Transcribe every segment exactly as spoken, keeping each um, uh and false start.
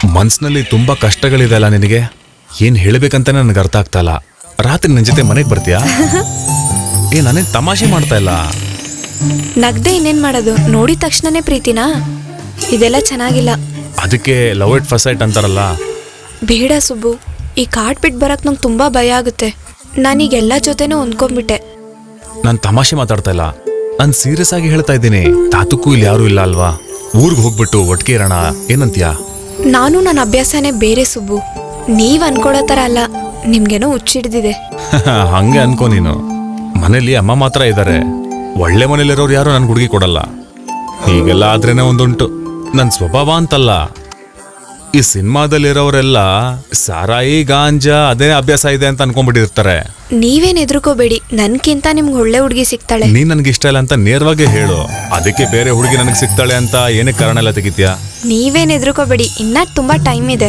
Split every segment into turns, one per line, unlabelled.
ಮನ್ಸಿನಲ್ಲಿ ತುಂಬಾ ಕಷ್ಟಗಳಿದೆ ಅಲ್ಲ ನಿನಗೆ, ಏನ್ ಹೇಳ್ಬೇಕಂತ ನನಗೆ ಅರ್ಥ ಆಗ್ತಾ ಇಲ್ಲ. ರಾತ್ರಿ ನನ್ನ ಜೊತೆ ಮನೆಗೆ ಬರ್ತೀಯಾ? ಏ ನಾನೇನ್ ತಮಾಷೆ ಮಾಡ್ತಾ ಇಲ್ಲ.
ನಗ್ದೆ ಇನ್ನೇನ್ ಮಾಡೋದು, ನೋಡಿದ ತಕ್ಷಣನೇ ಪ್ರೀತಿನಾ? ಇದೆಲ್ಲ ಚೆನ್ನಾಗಿಲ್ಲ.
ಅದಕ್ಕೆ ಲವ್ ಇಟ್ ಫಸ್ಟ್ ಸೈಟ್ ಅಂತಾರಲ್ಲ.
ಬೇಡ ಸುಬ್ಬು, ಈ ಕಾಡ್ ಬಿಟ್ಟು ಬರಕ್ ನಂಗೆ ತುಂಬಾ ಭಯ ಆಗುತ್ತೆ. ನಾನೀಗ ಎಲ್ಲ ಜೊತೆನೂ ಹೊಂದ್ಕೊಂಡ್ಬಿಟ್ಟೆ.
ನಾನು ತಮಾಷೆ ಮಾತಾಡ್ತಾ ಇಲ್ಲ, ನಾನು ಸೀರಿಯಸ್ ಆಗಿ ಹೇಳ್ತಾ ಇದ್ದೀನಿ. ತಾತಕ್ಕೂ ಇಲ್ಲಿ ಯಾರು ಇಲ್ಲ ಅಲ್ವಾ, ಊರ್ಗ್ ಹೋಗ್ಬಿಟ್ಟು ಒಟ್ಟಿಗೆ ಇರೋಣ, ಏನಂತೀಯಾ?
ನಾನು ನನ್ನ ಅಭ್ಯಾಸನೇ ಬೇರೆ ಸುಬ್ಬು, ನೀವ್ ಅನ್ಕೊಳೋ ತರ ಅಲ್ಲ. ನಿಮ್ಗೇನೋ ಹುಚ್ಚಿಡ್ದಿದೆ.
ಹಂಗೆ ಅನ್ಕೋ ನೀನು. ಮನೇಲಿ ಅಮ್ಮ ಮಾತ್ರ ಇದ್ದಾರೆ, ಒಳ್ಳೆ ಮನೇಲಿರೋರು ಯಾರು ನನ್ ಹುಡುಗಿ ಕೊಡಲ್ಲ. ಹೀಗೆಲ್ಲ ಆದ್ರೇನೆ ಒಂದುಂಟು, ನನ್ ಸ್ವಭಾವ ಅಂತಲ್ಲ. ಈ ಸಿನಿಮಾದಲ್ಲಿರೋರೆಲ್ಲ ಸಾರಾಯಿ ಗಾಂಜಾ ಅದೇ ಅಭ್ಯಾಸ ಇದೆ ಅಂತ ಅನ್ಕೊಂಡ್ಬಿಟ್ಟಿರ್ತಾರೆ.
ನೀವೇನ್ ಎದುರ್ಕೋಬೇಡಿ, ನನ್ಕಿಂತ ನಿಮ್ಗೆ ಒಳ್ಳೆ ಹುಡುಗಿ ಸಿಗ್ತಾಳೆ.
ನೀನ್ ನನ್ಗೆ ಇಷ್ಟ ಇಲ್ಲ ಅಂತ ನೇರವಾಗಿ ಹೇಳು, ಅದಕ್ಕೆ ಬೇರೆ ಹುಡುಗಿ ನನಗೆ ಸಿಗ್ತಾಳೆ ಅಂತ ಏನಕ್ಕೆ ಕಾರಣ ಎಲ್ಲ ತೆಗಿತ್ಯಾ?
ನೀವೇನ್ ಎದುರ್ಕೋಬೇಡಿ, ಇನ್ನ ತುಂಬಾ ಟೈಮ್ ಇದೆ.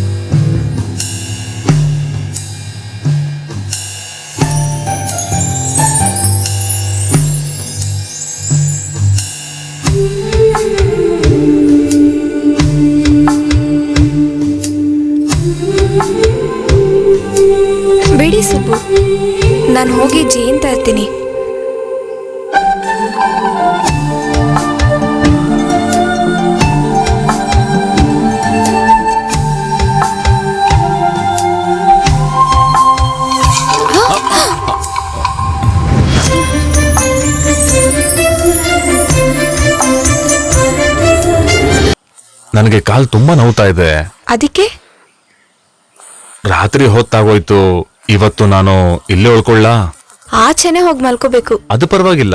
ಬಿಡಿ ಸುಬ್ಬು, ನಾನು ಹೋಗಿ ಜೇನ್ ತರ್ತೀನಿ.
ನನಗೆ ಕಾಲ್ ತುಂಬಾ ನೋವ್ತಾ ಇದೆ.
ಅದಕ್ಕೆ
ರಾತ್ರಿ ಹೊತ್ತಾಗೋಯ್ತು, ಇವತ್ತು ನಾನು ಇಲ್ಲೇ ಉಳ್ಕೊಳ್ಳ?
ಆಚೆನೆ ಹೋಗಿ ಮಲ್ಕೋಬೇಕು.
ಅದು ಪರವಾಗಿಲ್ಲ.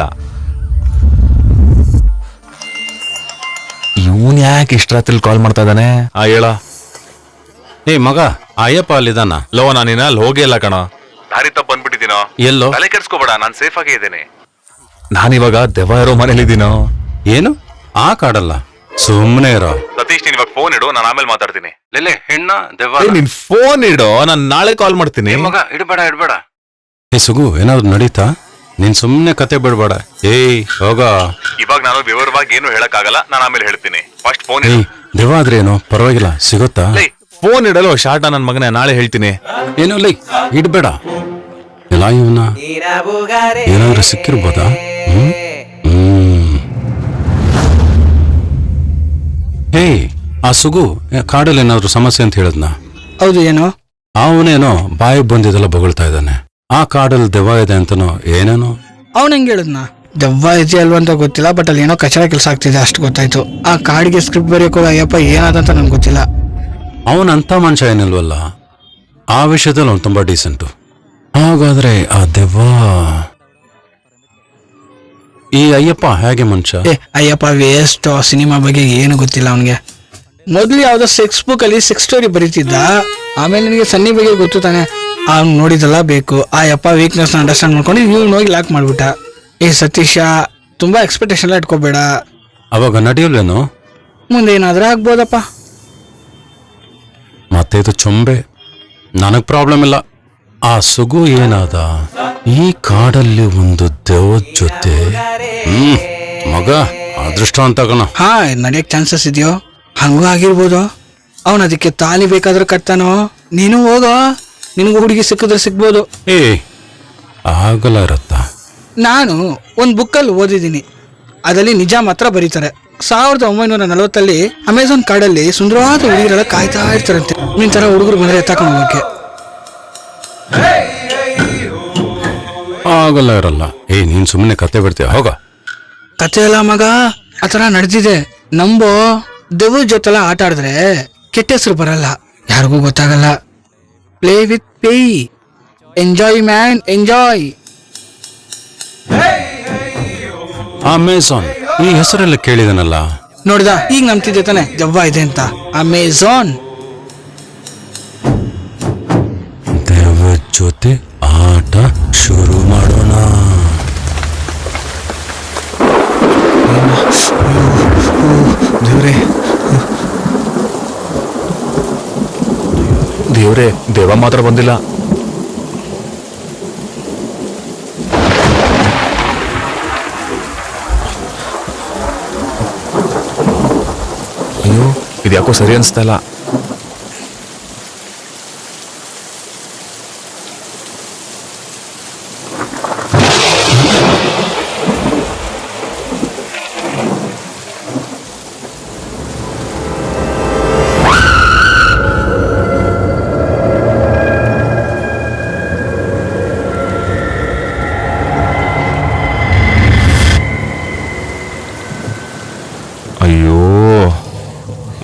ಇವನ್ ಯಾಕೆ ಇಷ್ಟ ರಾತ್ರಿ ಕಾಲ್ ಮಾಡ್ತಾ ಇದ್ದಾನೆ? ಆ ಹೇಳ.
ಏ ಮಗ, ಅಯ್ಯಪ್ಪ ಅಲ್ಲಿದ್ದಾನ?
ಲೋ, ನಾನಿನ ಅಲ್ಲಿ ಹೋಗೇ ಇಲ್ಲ ಕಣ. ದಾರಿ ತಪ್ಪ ಬಂದ್ಬಿಟ್ಟಿದ್ದೀನೋ.
ಎಲ್ಲೋ?
ತಲೆ ಕೆಡ್ಸ್ಕೋಬೇಡ, ನಾನು ಸೇಫ್ ಆಗೇ ಇದ್ದೇನೆ. ನಾನಿವಾಗ ದೆವ್ವ ಇರೋ ಮನೇಲಿದ್ದೀನೋ.
ಏನು ಆ ಕಾಡಲ್ಲ, ಸುಮ್ಮನೆ ಇರೋ.
ಸತೀಶ್, ನೀನ್ ಇವಾಗ ಫೋನ್ ಇಡು, ನಾನು ಆಮೇಲೆ ಮಾತಾಡ್ತೀನಿ.
ಲೆಲೆ ಹೆಣ್ಣ ದೆವ್ವ.
ನಿನ್ ಫೋನ್ ಇಡು, ನಾನು ನಾಳೆ ಕಾಲ್ ಮಾಡ್ತೀನಿ.
ಮಗ ಇಡ್ಬೇಡ ಇಡ್ಬೇಡ. ಏ ಸುಗು, ಏನಾದ್ರು ನಡೀತಾ? ನೀನ್ ಸುಮ್ನೆ ಕತೆ ಬಿಡ್ಬೇಡ. ಏಯ್ ಹೋಗ.
ಇವಾಗ ನಾನು ವಿವರವಾಗಿ ಏನು ಹೇಳಕ್ ಆಗಲ್ಲ, ನಾನು ಆಮೇಲೆ ಹೇಳ್ತೀನಿ. First phone.
ಏಯ್ ದೆವ್ವ ಆದ್ರೆ ಏನು ಪರವಾಗಿಲ್ಲ, ಸಿಗುತ್ತಾ?
ಫೋನ್ ಇಡಲು ಶಾರ್ಟ ನನ್ ಮಗನೇ, ನಾಳೆ ಹೇಳ್ತೀನಿ.
ಏನು ಲೈ ಇಡ್ಬೇಡ. ಎಲ್ಲ ಇವನ ಏನಾದ್ರೂ ಸಿಕ್ಕಿರ್ಬೋದಾ? ಹ್ಮ್ ಹ್ಮ್ ಹೇ, ಆ ಸುಗು ಕಾಡಲ್ಲಿ ಏನಾದ್ರು ಸಮಸ್ಯೆ ಅಂತ ಹೇಳದ್ನ?
ಹೌದು. ಏನು?
ಅವನೇನೋ ಬಾಯಿ ಬಂದಿದ್ದೆಲ್ಲ ಬೊಗಳ್ತಾ ಇದ್ದಾನೆ. ಆ ಕಾಡಲ್ಲಿ ದೆವ್ವ ಇದೆ ಅಂತನೋ ಏನೇನೋ.
ಅವನ್ ಹೆಂಗ್ ಹೇಳದ್ನ? ದೆವ್ವ ಇದೆ ಅಲ್ವಾ ಅಂತ ಗೊತ್ತಿಲ್ಲ, ಬಟ್ ಅಲ್ಲಿ ಏನೋ ಕಚರ ಕೆಲಸ ಆಗ್ತಿದೆ ಅಷ್ಟು ಗೊತ್ತಾಯ್ತು. ಆ ಕಾಡಿಗೆ ಸ್ಕ್ರಿಪ್ಟ್ ಬರೆಯೋಕೆ ಅಯ್ಯಪ್ಪ ಏನಾದಂತ ನನ್ಗೆ ಗೊತ್ತಿಲ್ಲ.
ಅವನಂತ ಮನುಷ್ಯ ಏನಿಲ್ವಲ್ಲ, ಆ ವಿಷಯದಲ್ಲಿ ಅವ್ನು ತುಂಬಾ ಡೀಸೆಂಟು. ಹಾಗಾದ್ರೆ ಆ ದೆವ್ವ ಈ ಅಯ್ಯಪ್ಪ ಹೇಗೆ ಮನುಷ್ಯ?
ಏ ಅಯ್ಯಪ್ಪ ವೇಸ್ಟ್, ಸಿನಿಮಾ ಬಗ್ಗೆ ಏನು ಗೊತ್ತಿಲ್ಲ ಅವನಿಗೆ. ಮೊದ್ಲು ಯಾವ್ದೋ ಸೆಕ್ಸ್ ಬುಕ್ ಅಲ್ಲಿ ಸೆಕ್ಸ್ ಸ್ಟೋರಿ ಬರೀತಿದ್ದ, ಆಮೇಲೆ ನಿನಗೆ ಸನ್ನಿ ಬಗ್ಗೆ ಗೊತ್ತು ತಾನೆ, ಅವ್ನು ನೋಡಿದಲ್ಲ ಬೇಕು. ಆ ಯಪ್ಪ ವೀಕ್ನೆಸ್ ಅಂಡರ್ಸ್ಟ್ಯಾಂಡ್ ಮಾಡ್ಕೊಂಡು ಇವ್ನು ಹೋಗಿ ಲಾಕ್ ಮಾಡ್ಬಿಟ್ಟ. ಏ ಸತೀಶ, ತುಂಬಾ ಎಕ್ಸ್ಪೆಕ್ಟೇಷನ್ ಎಲ್ಲ ಇಟ್ಕೋಬೇಡ.
ಅವಾಗ ನಡೆಯಲ್ವೇನು?
ಮುಂದೆ ಏನಾದ್ರೂ ಆಗ್ಬೋದಪ್ಪ.
ಮತ್ತೆ ಇದು ಚೊಂಬೆ, ನನಗ್ ಪ್ರಾಬ್ಲಮ್ ಇಲ್ಲ. ಆ ಸುಗು ಏನಾದ ಈ ಕಾಡಲ್ಲಿ ಒಂದು ದೆವ್ವದ ಜೊತೆ. ಹ್ಮ್ ಮಗ ಅದೃಷ್ಟ ಅಂತ ಕಣ.
ಹಾ, ನಡೆಯಕ್ ಚಾನ್ಸಸ್ ಇದೆಯೋ? ಹಂಗೂ ಆಗಿರ್ಬೋದು. ಅವನ್ ಅದಕ್ಕೆ ತಾಲಿ ಬೇಕಾದ್ರೆ ಕಟ್ತಾನೋ. ನೀನು ಹೋಗೋ, ನಿನಗೂ ಹುಡುಗಿ ಸಿಕ್ಕಿದ್ರೆ ಸಿಗ್ಬೋದು.
ಏ ಆಗಲ್ಲ ಇರತ್ತ. ನಾನು
ಒಂದು ಬುಕ್ಕಲ್ಲಿ ಓದಿದ್ದೀನಿ, ಅದರಲ್ಲಿ ನಿಜ ಮಾತ್ರ ಬರೀತಾರೆ. ಸಾವಿರದ ಒಂಬೈನೂರ ನಲವತ್ತಲ್ಲಿ ಅಮೆಝಾನ್ ಕಾಡಲ್ಲಿ ಸುಂದರವಾದ ಹುಡುಗರೆಲ್ಲ ಕಾಯ್ತಾ ಇರ್ತಾರಂತೆ ನಿನ್ ತರ ಹುಡುಗರು ಬಂದ್ರೆ ಎತ್ತಾಕೊಂಡು ಹೋಗಕ್ಕೆ.
ಆಗಲ್ಲ ಇರಲ್ಲ. ಏ ನೀನ್ ಸುಮ್ಮನೆ ಕತೆ ಬಿಡ್ತೀಯ, ಹೋಗ.
ಕತೆ ಎಲ್ಲ ಮಗ ಆ ಥರ ನಡೆದಿದೆ. ನಂಬೋ, ದೆವ್ವ ಜೊತೆಲ್ಲ ಆಟ ಆಡಿದ್ರೆ ಕೆಟ್ಟ ಹೆಸರು ಬರಲ್ಲ, ಯಾರಿಗೂ ಗೊತ್ತಾಗಲ್ಲ. Play with pay, enjoy man enjoy.
Amazon ಈ ಹೆಸರೆಲ್ಲ ಕೇಳಿದನಲ್ಲ.
ನೋಡಿದ, ಈಗ ನಂಬ್ತಿದ್ದೆ ತಾನೆ ದೆವ್ವ ಇದೆ ಅಂತ. ಅಮೆಝಾನ್
ದೆವ್ವ ಜೊತೆ ಆಟ ಶುರು ಮಾಡೋಣ.
ದೇವ್ರೆ ದೇವ್ರೆ, ದೇವ ಮಾತ್ರ ಬಂದಿಲ್ಲ. ಅಯ್ಯೋ, ಇದ್ಯಾಕೋ ಸರಿ ಅನ್ಸ್ತಾ ಇಲ್ಲ.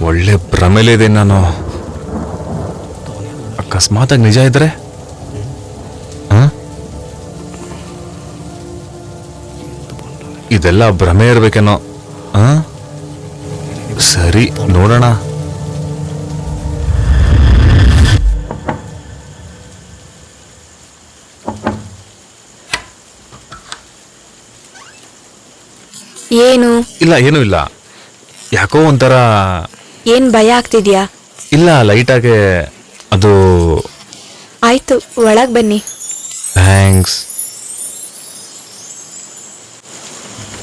ಒಳ್ಳೆ ಭ್ರಮೆಲಿದೆ ನಾನು. ಅಕಸ್ಮಾತಾಗಿ ನಿಜ ಇದ್ರೆ ಹ? ಇದೆಲ್ಲ ಭ್ರಮೆ ಇರ್ಬೇಕೇನೋ. ಹ? ಸರಿ ನೋಡೋಣ.
ಏನು
ಇಲ್ಲ ಏನೂ ಇಲ್ಲ, ಯಾಕೋ ಒಂಥರ.
ಏನ್ ಭಯ ಆಗ್ತಿದ್ಯಾ?
ಇಲ್ಲ ಲೈಟಾಗೆ ಅದು.
ಆಯ್ತು, ಒಳಗ್ ಬನ್ನಿ.
ಥ್ಯಾಂಕ್ಸ್.